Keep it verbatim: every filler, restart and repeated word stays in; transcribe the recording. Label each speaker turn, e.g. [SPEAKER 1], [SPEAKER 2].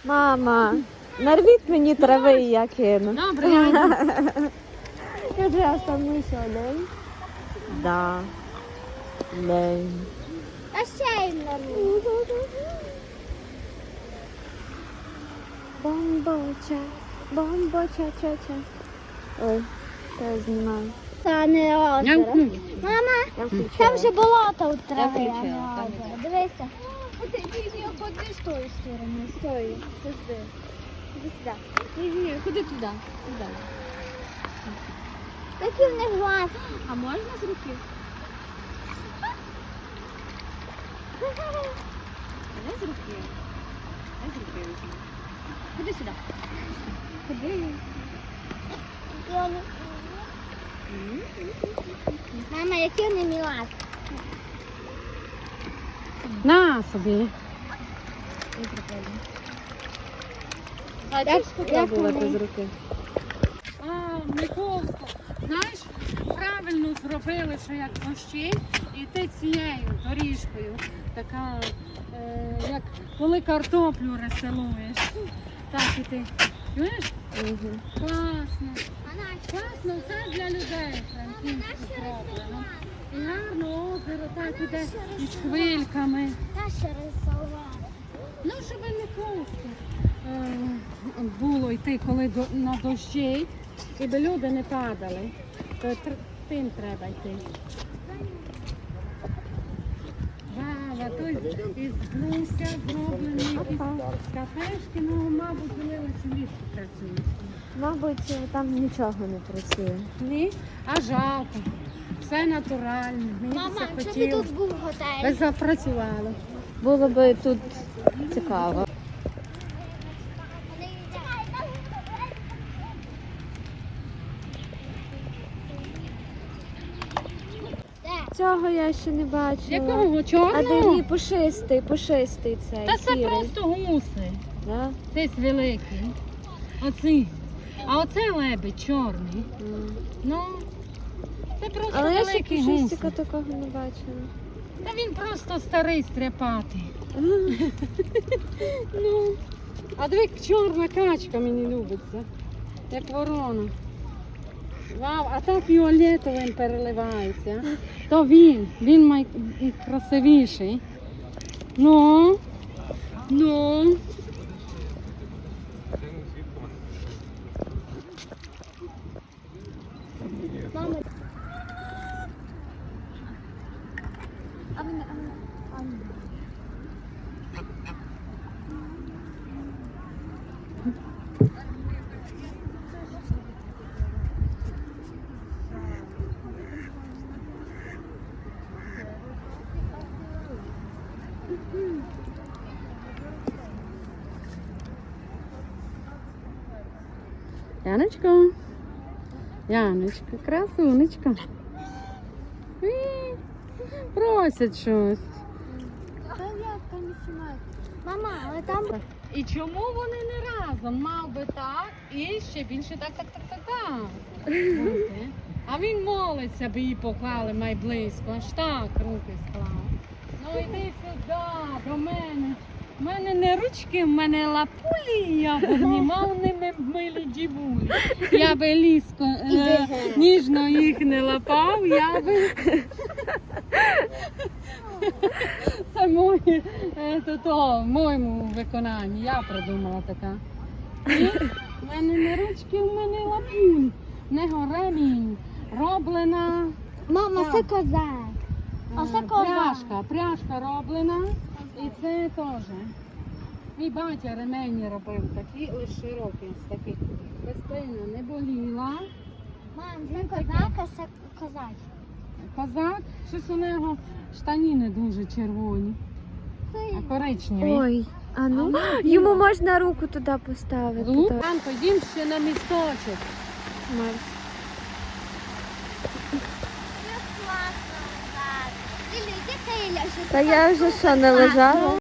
[SPEAKER 1] Мама, нарвіть мені трави, і я кину.
[SPEAKER 2] Добре, я йду.
[SPEAKER 1] Я вже останню ще день. Да. День.
[SPEAKER 3] А ще їм нарву.
[SPEAKER 1] Бомбоча, бомбоча, ча-ча. Ой, що я знімаю.
[SPEAKER 3] Та не
[SPEAKER 2] Я
[SPEAKER 3] озеро.
[SPEAKER 2] вкну.
[SPEAKER 3] Мама,
[SPEAKER 1] Я включила.
[SPEAKER 3] там же болото у трави, а
[SPEAKER 2] включила,
[SPEAKER 3] не
[SPEAKER 2] там
[SPEAKER 3] озеро. Дивися. Ти її ходи з тої сторони, з тої. Сюди. Іди сюди.
[SPEAKER 2] Ні, ні, куди туди? Туди.
[SPEAKER 3] Такий в них глаз.
[SPEAKER 2] А можна з руки? Не з руки. Не з руки візьму. Ходи сюди. Ходи.
[SPEAKER 3] Мама, які вони мілашки.
[SPEAKER 2] На собі.
[SPEAKER 3] А
[SPEAKER 1] Як спробувати з руки?
[SPEAKER 2] А, Миколко, знаєш, правильно зробили, що як дощі, і ти цією доріжкою, така, е, як коли картоплю розсилуєш, так і ти. Чуєш?
[SPEAKER 1] Угу.
[SPEAKER 2] Класно. Класно, все для людей франківську зроблено. І гарно озеро так іде із хвильками.
[SPEAKER 3] Та ще рисувати.
[SPEAKER 2] Ну, щоб не просто е, було йти, коли до, на дощі, і би люди не падали, то тр- тим треба йти. Вау, а то із, із груся зроблені якісь кафешки, ну, мабуть, вони лише влітку працюють.
[SPEAKER 1] Мабуть, там нічого не працює.
[SPEAKER 2] Ні, а жалко. Все натуральне. Мені
[SPEAKER 3] Мама,
[SPEAKER 2] це
[SPEAKER 3] якщо б
[SPEAKER 2] хотіло.
[SPEAKER 3] тут був готель.
[SPEAKER 2] Би запрацювало.
[SPEAKER 1] Було би тут цікаво. Цього я ще не бачила.
[SPEAKER 2] Якого
[SPEAKER 1] А
[SPEAKER 2] чорного?
[SPEAKER 1] де ні, пушистий, пушистий цей.
[SPEAKER 2] Та це
[SPEAKER 1] сірий.
[SPEAKER 2] просто гуси.
[SPEAKER 1] Да?
[SPEAKER 2] Цей великий. Оці. А оце лебедь чорний.
[SPEAKER 1] М.
[SPEAKER 2] Ну, це просто
[SPEAKER 1] Але я ще
[SPEAKER 2] великий гуси.
[SPEAKER 1] пушистика такого не бачила.
[SPEAKER 2] Та він просто старий стряпатий. Ну, а диви, чорна качка мені любиться. Як ворона. Вау, а так фіолетовим переливається. То він, він найкрасивіший. Ну, ну.
[SPEAKER 3] Мама. А мене, а мене, а мене.
[SPEAKER 2] Яночко. Яночка, красунечка. Ій, просять щось.
[SPEAKER 3] Та як там знімати? Мама, але там...
[SPEAKER 2] І чому вони не разом? Мав би так і ще більше так, так, так, так, так. бути. А він молиться, би її поклали май близько, аж так руки склав. Ну йди сюди, до мене. У мене не ручки, в мене лапулі, я б обнімав ними милі дівулі. Я би ліско е, ніжно їх не лапав, я би... Це моє, е, то, то, в моєму виконанні, я придумала така. І в мене не ручки, в мене лапуль, не ремінь, роблена...
[SPEAKER 3] Мама, це коза. А це
[SPEAKER 2] Е,
[SPEAKER 3] коза.
[SPEAKER 2] Пряжка, пряжка роблена, і це теж. Мій батя ремені робив такі, лише широкі, з таких. Спина не боліла.
[SPEAKER 3] Мам, це козак, а це козак.
[SPEAKER 2] Козак, щось у нього штаніни дуже червоні,
[SPEAKER 3] Це
[SPEAKER 2] а коричневі.
[SPEAKER 1] Ой, а ну,
[SPEAKER 2] ну,
[SPEAKER 1] йому можна руку туди поставити.
[SPEAKER 2] Ну,
[SPEAKER 1] так.
[SPEAKER 2] Анко, їм ще на місточок.
[SPEAKER 1] Марс.
[SPEAKER 3] класно, так. Ілля, йди, Ілля, що
[SPEAKER 1] Та я вже що, не лежала?